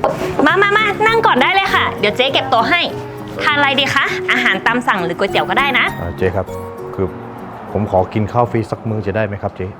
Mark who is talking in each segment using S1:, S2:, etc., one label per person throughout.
S1: มานั่งก่อนได้เลยค่ะเดี๋ยวเจ๊เก็บโต๊ะให้ทานอะไรดีคะอาหารตามสั่งหรือก๋วยเตี๋ยวก็ได้นะ
S2: เจ๊ครับคือผมขอกินข้าวฟรีสักมื้อจะได้ไหมครับเจ๊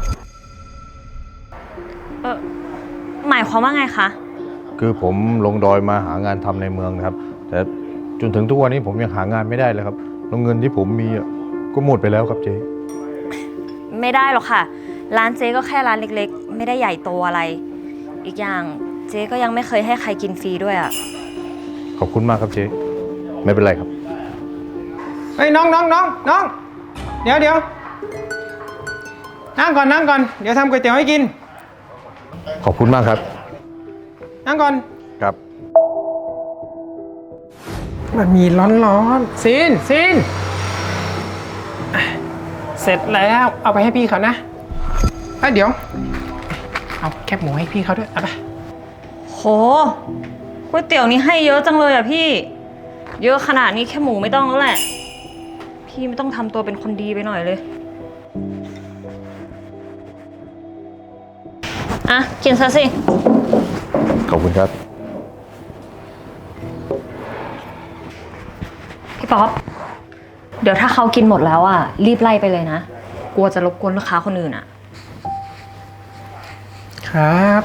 S1: หมายความว่าไงคะ
S2: คือผมลงดอยมาหางานทำในเมืองนะครับแต่จนถึงทุกวันนี้ผมยังหางานไม่ได้เลยครับแล้วเงินที่ผมมีก็หมดไปแล้วครับเจ๊
S1: ไม่ได้หรอกค่ะร้านเจ๊ก็แค่ร้านเล็กๆไม่ได้ใหญ่โตอะไรอีกอย่างเจ๊ก็ยังไม่เคยให้ใครกินฟรีด้วยอ่ะ
S2: ขอบคุณมากครับเจ๊ไม่เป็นไรครับ
S3: เฮ้ยน้องเดี๋ยวนั่งก่อนเดี๋ยวทำก๋วยเตี๋ยวให้กิน
S2: ขอบคุณมากครับ
S3: นั่งก่อน
S2: ครับ
S3: มันมีร้อนซีนเสร็จแล้วเอาไปให้พี่เขานะเดี๋ยวเอาแคบหมูให้พี่เขาด้วยเอาไป
S1: โหก๋วยเตี๋ยวนี้ให้เยอะจังเลยอ่ะพี่เยอะขนาดนี้แค่หมูไม่ต้องแล้วแหละพี่ไม่ต้องทำตัวเป็นคนดีไปหน่อยเลยอ่ะกินซะสิ
S2: ขอบคุณครับ
S1: พี่ป๊อปเดี๋ยวถ้าเขากินหมดแล้วอ่ะรีบไล่ไปเลยนะกลัวจะรบกวนลูกค้าคนอื่นอ่ะ
S3: ครับ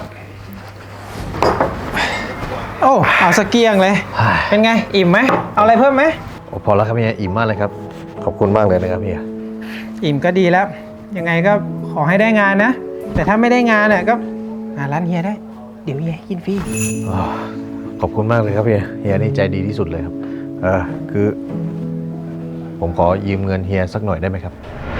S3: โอ้เอาสเกียงเลยเป็นไงอิ่มไหมเอาอะไรเพิ่มไหม
S2: พอแล้วครับเฮียอิ่มมากเลยครับขอบคุณมากเลยนะครับเฮีย
S3: อิ่มก็ดีแล้วยังไงก็ขอให้ได้งานนะแต่ถ้าไม่ได้งานเนี่ยก็หาร้านเฮียได้เดี๋ยวเฮียกินฟรี
S2: ขอบคุณมากเลยครับเฮียนี่ใจดีที่สุดเลยครับคือผมขอยืมเงินเฮียสักหน่อยได้ไหมครับ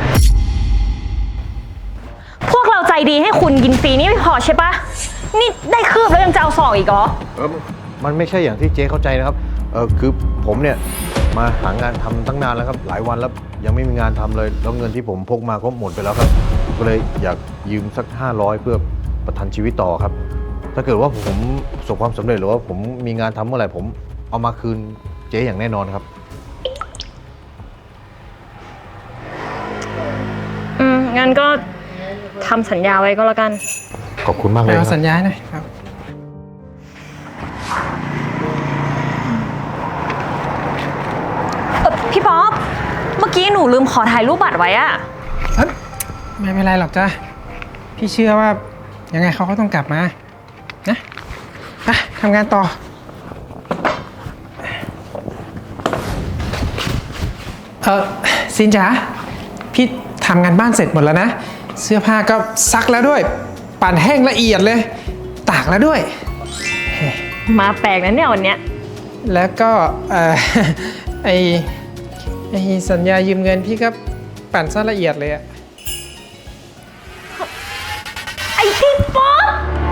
S1: พวกเราใจดีให้คุณกินฟรีนี่ไม่พอใช่ปะนี่ได้คืบแล้วยังจะเอาศอกอีกเหรอ
S2: มันไม่ใช่อย่างที่เจ๊เข้าใจนะครับคือผมเนี่ยมาหางานทำตั้งนานแล้วครับหลายวันแล้วยังไม่มีงานทำเลยแล้วเงินที่ผมพกมาก็หมดไปแล้วครับก็เลยอยากยืมสัก500เพื่อประทังชีวิตต่อครับถ้าเกิดว่าผมประสบความสำเร็จหรือว่าผมมีงานทำเมื่อไหร่ผมเอามาคืนเจ๊อย่างแน่นอนครับ
S1: งั้นก็ทำสัญญาไว้ก็แล้วกัน
S2: ขอบคุณมากเลยครับ
S3: สัญญาหน่อยครับ
S1: พี่ป๊อปเมื่อกี้หนูลืมขอถ่ายรูปบัตรไว้อะ
S3: ไม่เป็นไรหรอกจ้ะพี่เชื่อว่ายังไงเขาก็ต้องกลับมานะไปทำงานต่อซินจ๋าพี่ทำงานบ้านเสร็จหมดแล้วนะเสื้อผ้าก็ซักแล้วด้วยปั่นแห้งละเอียดเลยตากแล้วด้วย
S1: มาแปลกนะเนี่ยวันเนี้ย
S3: แล้วก็ไอสัญญายืมเงินพี่ก็ปั่นซะละเอียดเลยอะ
S1: ไอพี่ป๊อป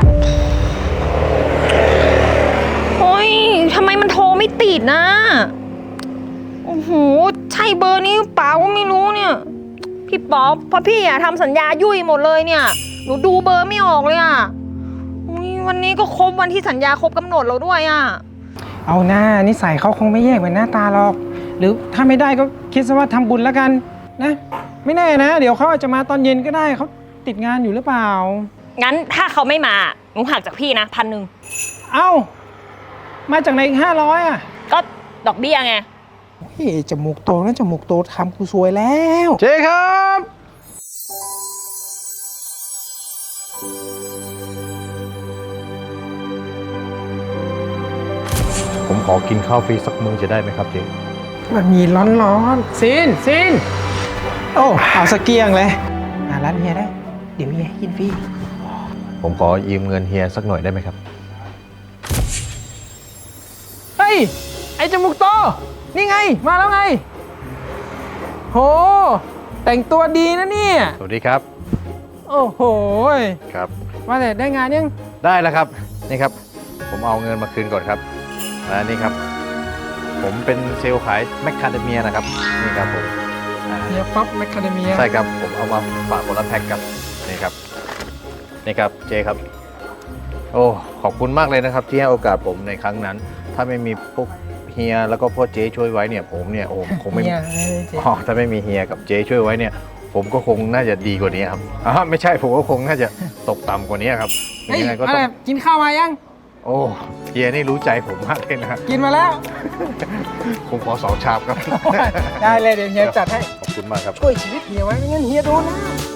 S1: โอ้ยทำไมมันโทรไม่ติดนะโอ้โหใช่เบอร์นี้เปล่าก็ไม่รู้เนี่ยพี่ป๊อปเพราะพี่อะทำสัญญายุ่ยหมดเลยเนี่ยหนูดูเบอร์ไม่ออกเลยอะวันนี้ก็ครบวันที่สัญญาครบกำหนดเราด้วยอะ
S3: เอาหน้านิสัยเขาคงไม่แยกเหมือนหน้าตาหรอกหรือถ้าไม่ได้ก็คิดซะว่าทำบุญแล้วกันนะไม่แน่นะเดี๋ยวเขาอาจจะมาตอนเย็นก็ได้เขาติดงานอยู่หรือเปล่า
S1: งั้นถ้าเขาไม่มาหนูหักจากพี่นะ1,000
S3: เอ้ามาจากไหนอีก500อ่ะ
S1: ก็ดอกเบี้ยไง
S3: เฮ้ยจมูกโตนะจมูกโตทำกูซวยแล้ว
S2: เจ๊ครับผมขอกินข้าวฟรีสักมื้อจะได้ไหมครับเจ๊
S3: มันมีร้อนซีนโอ้เอาสเกียงเลยหาร้านเฮียได้เดี๋ยวเฮียกินฟรี
S2: ผมขอยืมเงินเฮียสักหน่อยได้ไหมครับ
S3: เฮ้ยไอจมูกโตนี่ไงมาแล้วไงโหแต่งตัวดีนะเนี่ย
S2: สวัสดีครับ
S3: โอ้โห
S2: ครับ
S3: ว่าแต่ได้งานยัง
S2: ได้แล้วครับนี่ครับผมเอาเงินมาคืนก่อนครับนี่ครับผมเป็นเซลล์ขายแมคคาเดเมียนะครับนี่ครับผม
S3: เฮียป๊อปแมคคาเดเมีย
S2: ใช่ครับผมเอามาฝากคนละแพ็คครับนี่ครับเจครับโอ้ขอบคุณมากเลยนะครับที่ให้โอกาสผมในครั้งนั้นถ้าไม่มีพวกเฮียแล้วก็พ่อเจ๊ช่วยไว้เนี่ยผมเนี่ยโอ้คงไม่ถ้าไม่มีเฮียกับเจ๊ช่วยไว้เนี่ยผมก็คงน่าจะดีกว่านี้ครับไม่ใช่ผมก็คงน่าจะตกต่ำกว่านี้ครับ
S3: ยังไงก็ต้องกินข้าวมายัง
S2: โอ้เฮียนี่รู้ใจผมมากเลยนะครับ
S3: กินมาแล้ว
S2: ผมขอ2 ชามครับ
S3: ได้เลยเดี๋ยวเฮียจัดให้
S2: ขอบคุณมากครับ
S3: ช่วยชีวิตเฮียไว้ไม่งั้นเฮียโดนนะ